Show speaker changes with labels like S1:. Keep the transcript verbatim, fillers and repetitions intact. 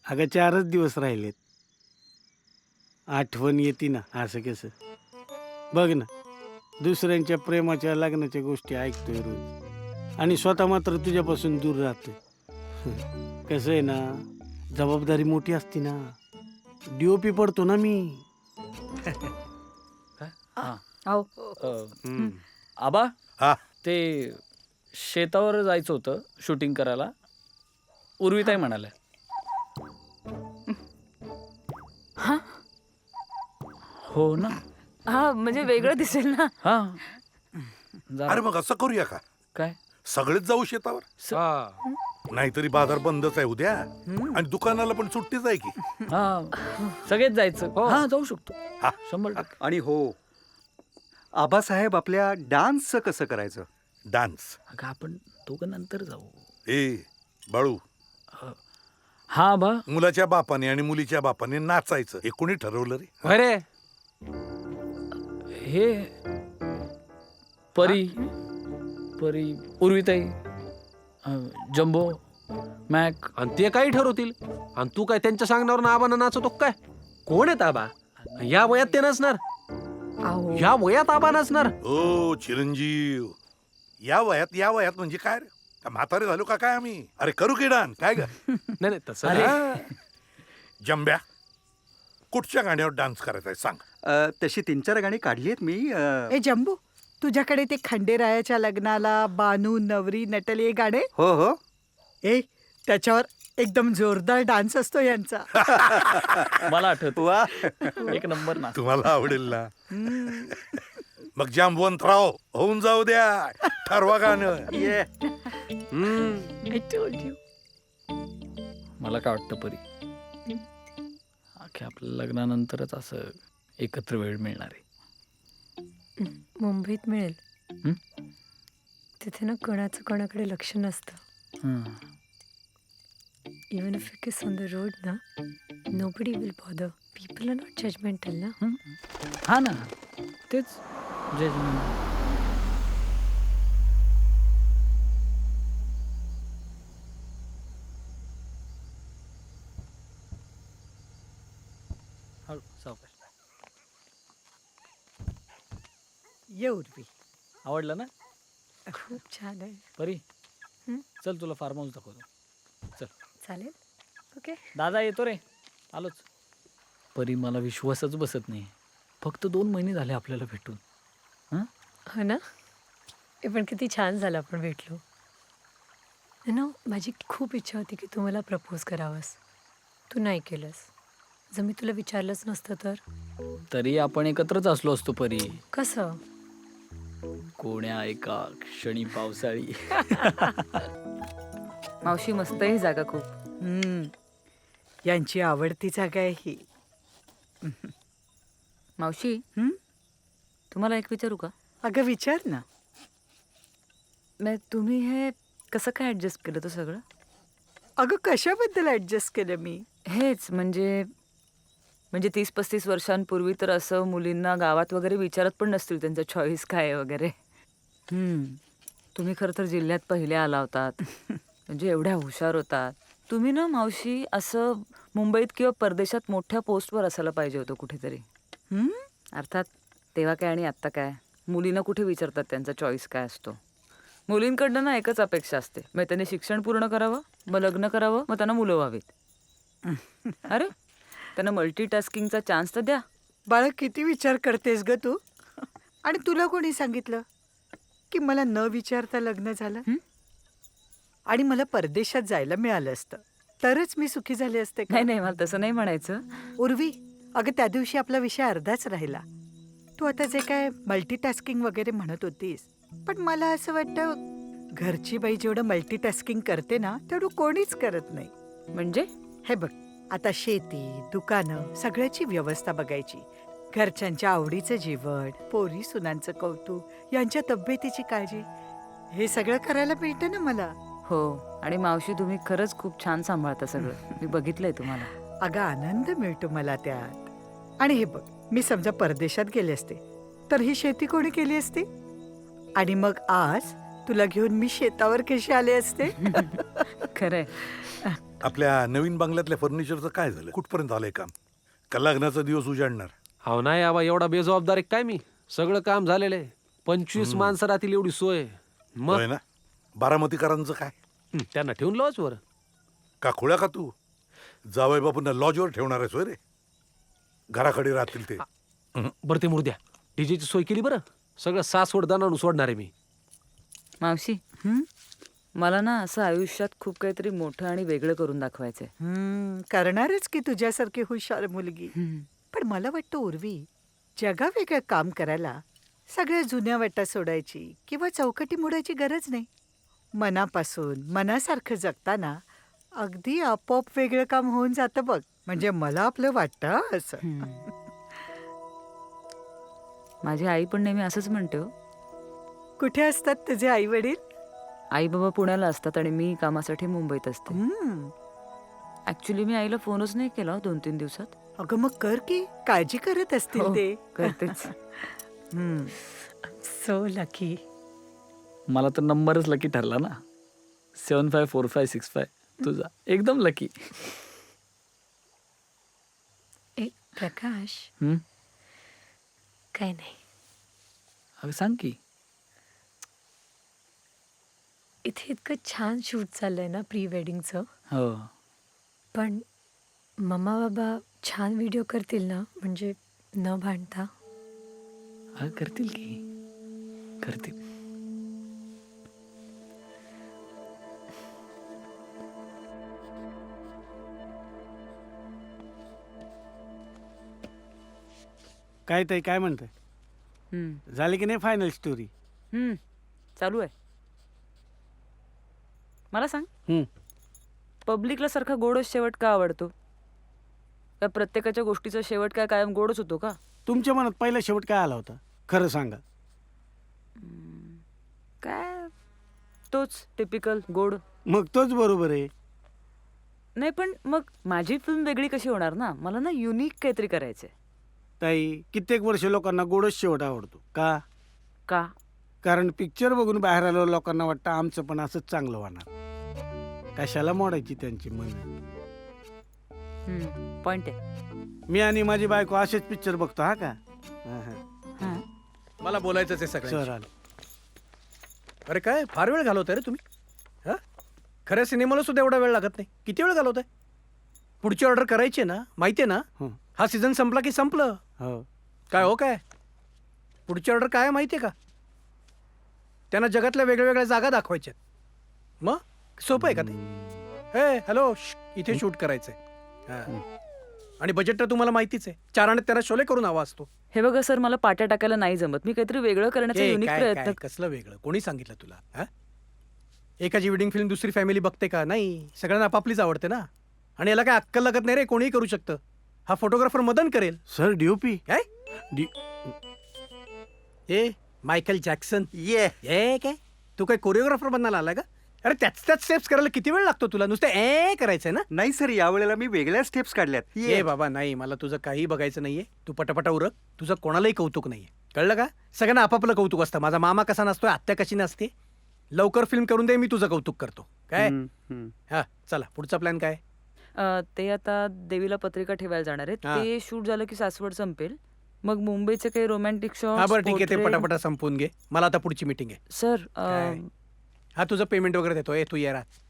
S1: अगं चारच दिवस राहिलेत. आठवण येते ना असं कसं. बघ ना, दुसऱ्यांच्या प्रेमाच्या लग्नाच्या गोष्टी ऐकतोय रोज आणि स्वतः मात्र तुझ्यापासून दूर राहतोय. कसं आहे ना, जबाबदारी मोठी असती ना. डीओपी पडतो ना मी.
S2: अहो
S1: हम्म.
S3: आबा
S4: हा
S3: ते शेतावर जायचं होतं शूटिंग करायला. उर्विताई म्हणाल्या.
S2: हा
S3: हो ना.
S2: हा म्हणजे वेगळं दिसेल ना.
S3: हा जरा-
S4: अरे मग असं करूया का,
S3: काय
S4: सगळेच जाऊ शेतावर? नाहीतरी बाजार बंदच आहे उद्या आणि दुकानाला पण सुट्टीच आहे की.
S3: हा सगळेच जायचं. हा जाऊ शकतो.
S4: हा.
S3: शंभर टक्के.
S5: आणि हो आबासाहेब, आपल्या डान्सचं कसं करायचं?
S4: डान्स?
S3: अगं आपण दोघं नंतर जाऊ.
S4: ए बाळू,
S3: हा आबा.
S4: मुलाच्या बापाने आणि मुलीच्या बापाने नाचायचं हे कोणी ठरवलं रे?
S6: अरे
S3: हे परी परी उर्विताई अं, जम्बो मॅक.
S6: आणि ते काही ठरवतील आणि तू काय त्यांच्या सांगण्यावर आबांना नाचवतो काय? कोण आहेत आबा? या वयात ते नसणार.
S2: अहो
S6: या वयात आबा नसणार.
S4: ओ चिरंजीव, या वयात या वयात म्हणजे काय रे? का म्हातारे झालो का काय आम्ही? अरे करू की डान्स काय ग?
S6: नाही नाही तसं नाही.
S4: हा. जंब्या, कुठच्या गाण्यावर डान्स करायचा आहे सांग.
S5: अ, तशी तीन चार गाणी काढली आहेत मी. अ,
S7: ए जंबू, तुझ्याकडे ते खंडेरायाच्या लग्नाला बानू नवरी नटली हे गाणे?
S5: हो हो
S7: ए त्याच्यावर एकदम जोरदार डान्स असतो यांचा.
S3: मला आठवत
S5: वा
S3: एक नंबर ना.
S4: तुम्हाला आवडेल ना? मग जांबवंतराव होऊन जाऊ द्या, ठरवा गाणं.
S5: ये
S6: हम्म.
S7: I told you.
S3: मला काय वाटतं परी, अख्ख्या आपल्या लग्नानंतरच असं एकत्र वेळ मिळणार आहे.
S2: मुंबईत मिळेल.
S3: हं?
S2: तिथे ना कोणाचं कोणाकडे लक्ष नसतं.
S3: हं.
S2: Even if you kiss on the road ना, nobody will bother. People are not judgmental ना.
S3: हं? हा ना, तेच जजमेंट. हळू, सावकाश.
S7: ये उर्वी.
S3: आवडलं ना
S2: खूप छान आहे.
S3: परी?
S2: हं?
S3: चल तुला फार्म हाऊस दाखवतो. चल.
S2: चालेल. ओके.
S3: दादा येतो रे, आलोच. परी मला विश्वासच बसत नाही. फक्त दोन महिने झाले आपल्याला भेटून. हं?
S2: हो ना. हे पण किती छान झालं आपण भेटलो. ना माझी खूप इच्छा होती की तू मला प्रपोज करावंस. तू नाही केलंस. जर मी तुला विचारलंच नसतं तर.
S3: तरी आपण एकत्रच असलो असतो परी.
S2: कसं?
S3: कोण्या एका क्षणी पावसाळी.
S2: मावशी मस्त ही जागा खूप.
S7: हम्म. यांची आवडती जागा आहे ही.
S2: मावशी
S7: हं?
S2: तुम्हाला एक विचारू का?
S7: अगं विचार ना.
S2: नाही तुम्ही हे कसं काय ॲडजस्ट केलं तो सगळं?
S7: अगं कशाबद्दल ऍडजस्ट केलं मी?
S2: हेच म्हणजे म्हणजे तीस पस्तीस वर्षांपूर्वी तर असं मुलींना गावात वगैरे विचारत पण नसतील त्यांचं चॉईस काय आहे वगैरे.
S7: हम्म.
S2: तुम्ही खरं तर जिल्ह्यात पहिले आला होतात. म्हणजे एवढ्या हुशार होतात. तुम्ही ना मावशी असं मुंबईत किंवा परदेशात मोठ्या पोस्टवर असायला पाहिजे होतं कुठेतरी.
S7: हम्म?
S2: अर्थात तेव्हा काय आणि आत्ता काय मुलींना कुठे विचारतात त्यांचा चॉईस काय असतो. मुलींकडनं ना एकच अपेक्षा असते, मग त्यांनी शिक्षण पूर्ण करावं, मग लग्न करावं, मग त्यांना मुलं व्हावीत. अरे त्यांना मल्टीटास्किंगचा चान्स तर द्या.
S7: बाळा किती विचार करतेस ग तू? आणि तुला कोणी सांगितलं की मला न विचारता लग्न झालं?
S2: हं?
S7: आणि मला परदेशात जायला मिळालं असतं तरच मी सुखी झाले असते का?
S2: नाही नाही मला तसं नाही म्हणायचं.
S7: उर्वी, अगं त्या दिवशी आपला विषय अर्धाच राहिला. तू आता जे काय मल्टीटास्किंग वगैरे म्हणत होतीस, पण मला असं वाटतं घरची बाई जेवढं मल्टीटास्किंग करते ना तेवढं कोणीच करत नाही.
S2: म्हणजे
S7: हे बघ, आता शेती, दुकानं सगळ्याची व्यवस्था बघायची, घरच्यांच्या आवडीचं जेवण, पोरी सुनांचं कौतुक, यांच्या तब्येतीची काळजी, हे सगळं करायला मिळतं ना मला.
S2: हो. आणि मावशी तुम्ही खरंच खूप छान सांभाळता सगळं. मी बघितलंय तुम्हाला.
S7: अगं आनंद मिळतो मला त्यात. आणि हे बघ, मी समजा परदेशात गेले असते तर ही शेती कोणी केली असती? आणि मग आज तुला घेऊन मी शेतावर कशी आले असते?
S2: खरंय.
S4: आपल्या नवीन बंगल्यातल्या फर्निचरचं काय झालं? कुठपर्यंत आलंय काम? का लग्नाचा दिवस उजाडणार?
S6: हो नाही आबा, एवढा बेजबाबदार आहे काय मी? सगळं काम झालेलं आहे. पंचवीस माणसं राहतील एवढी सोय. मग
S4: होय ना? बारामतीकरांचं काय?
S6: हं, त्यांना ठेवून लॉज वर.
S4: का खोळ्या का तू? जावई बापूंना लॉजवर ठेवणार आहेस होय रे? घराकडे राहतील ते.
S6: बरं ते मुर्द्या, डीजेची सोय केली बरं. सगळं सासवड दानावून सोडणार आहे मी.
S2: मावशी
S7: हं?
S2: मला ना असं आयुष्यात खूप काहीतरी मोठं आणि वेगळं करून दाखवायचंय.
S7: हं, करणारच की तुझ्यासारखी हुशार मुलगी. पण मला वाटतं उर्वी, जगावेगळं काम करायला सगळ्या जुन्या वाटा सोडायची किंवा चौकटी मोडायची गरज नाही. मनापासून मनासारखं जगताना अगदी आपोआप वेगळं काम होऊन जातं बघ. म्हणजे मला आपलं वाटतं असं.
S2: हम्म. माझी आई पण नेहमी असंच म्हणते हो.
S7: कुठे असतात तुझे आई वडील?
S2: आई बाबा पुण्याला असतात आणि मी कामासाठी मुंबईत असते. ऍक्च्युली मी आईला फोनच नाही केला हो दोन तीन दिवसात.
S7: अगं मग कर की, काळजी करत असतील
S2: हो,
S7: ते.
S2: करतेच.
S7: So lucky.
S3: मला तर नंबरच लकी ठरला ना. Seven five four five six five तुझा एकदम लकी.
S8: ए प्रकाश,
S3: हम्म?
S8: काय नाही.
S3: अगं सांग की.
S8: इथे इतकं छान शूट चाललंय ना प्री वेडिंगचं.
S3: हो.
S8: पण मम्मा बाबा छान व्हिडिओ करतील ना, म्हणजे न भांडता?
S3: अगं करतील की, करतील.
S1: काय ताई, काय म्हणताय?
S2: हम्म.
S1: झाली की नाही फायनल स्टोरी?
S2: हम्म. चालू आहे. मला सांग,
S1: हम्म.
S2: पब्लिकला सारखा गोडच शेवट का आवडतो? का प्रत्येकाच्या गोष्टीचा शेवट काय कायम गोडच होतो का?
S1: तुमच्या मनात पहिला शेवट काय आला होता? खरं सांगा.
S2: काय तोच टिपिकल गोड.
S1: मग तोच बरोबर आहे.
S2: नाही पण मग माझी फिल्म वेगळी कशी होणार ना? मला ना युनिक काहीतरी करायचंय.
S1: ताई, कित्येक वर्ष लोकांना गोडच शेवट आवडतो का?
S2: का?
S1: कारण पिक्चर बघून बाहेर आलो लोकांना वाटतं आमचं पण असंच चांगलं होणार. कशाला मोडायची त्यांची मन?
S2: पॉइंट आहे.
S1: मी आणि माझी बायको असेच पिक्चर बघतो. हा का? हा, हा.
S2: हां.
S9: मला बोलायचंच आहे
S1: सर
S9: सगळं.
S1: आलं.
S9: अरे काय फार वेळ घालवताय रे तुम्ही? हा खऱ्या सिनेमाला सुद्धा एवढा वेळ लागत नाही. किती वेळ घालवताय? पुढची ऑर्डर करायची आहे ना, माहिती आहे ना?
S1: हं.
S9: हा सीझन संपला की संपलं.
S1: हो.
S9: काय हो काय पुढची ऑर्डर काय आहे माहिती आहे का? त्यांना जगातल्या वेगळ्या वेगळ्या जागा दाखवायच्या. मग सोपं आहे का ते? हे हॅलो, इथे शूट करायचंय. हा. आणि बजेट तर तुम्हाला माहितीच आहे. चार आणि त्यांना शोले करून हवा असतो.
S2: हे बघा सर, मला पाट्या टाकायला नाही जमत. मी काहीतरी वेगळं करण्याचा
S9: ए,
S2: युनिक
S9: काय-
S2: प्रयत्न.
S9: काय, कसलं वेगळं? कोणी सांगितलं तुला? हा एकाची वेडिंग फिल्म दुसरी फॅमिली बघते का? नाही, सगळ्यांना आपापलीच आवडते ना. आणि याला काय अक्कल लागत नाही रे, कोणीही करू शकतं. हा फोटोग्राफर मदन करेल.
S1: सर डीओपी
S9: काय
S1: डी
S9: ए मायकल जॅक्सन ये ए काय तू काय कोरिओग्राफर बनायला आलाय का? अरे त्याच त्याच स्टेप्स करायला किती वेळ लागतो तुला? नुसतं ए करायचंय ना?
S5: नाही सर, यावेळेला मी वेगळ्या स्टेप्स काढल्यात.
S9: ये बाबा, नाही, मला तुझं काही बघायचं नाहीये. तू पटापटा उरक. तुझं कोणालाही कौतुक नाहीये, कळलं का? सगळ्यांना आपापलं कौतुक असतं. माझा मामा कसा नसतोय, आत्या कशी नसते. लवकर फिल्म करून दे, मी तुझं कौतुक करतो. काय?
S5: हम्म, हम्म.
S9: हा चला, पुढचा प्लॅन काय?
S2: अ, ते आता देवीला पत्रिका ठेवायला जाणार आहेत.
S9: हा.
S2: ते शूट झालं की सासवड संपेल. मग मुंबईचे काही रोमॅन्टिक शॉट.
S9: हा बरं ठीक आहे, ते पटापटा संपवून घे. मला आता पुढची मीटिंग आहे.
S2: सर, अ,
S9: काय? हा तुझं पेमेंट वगैरे देतो. ए तू ये रात.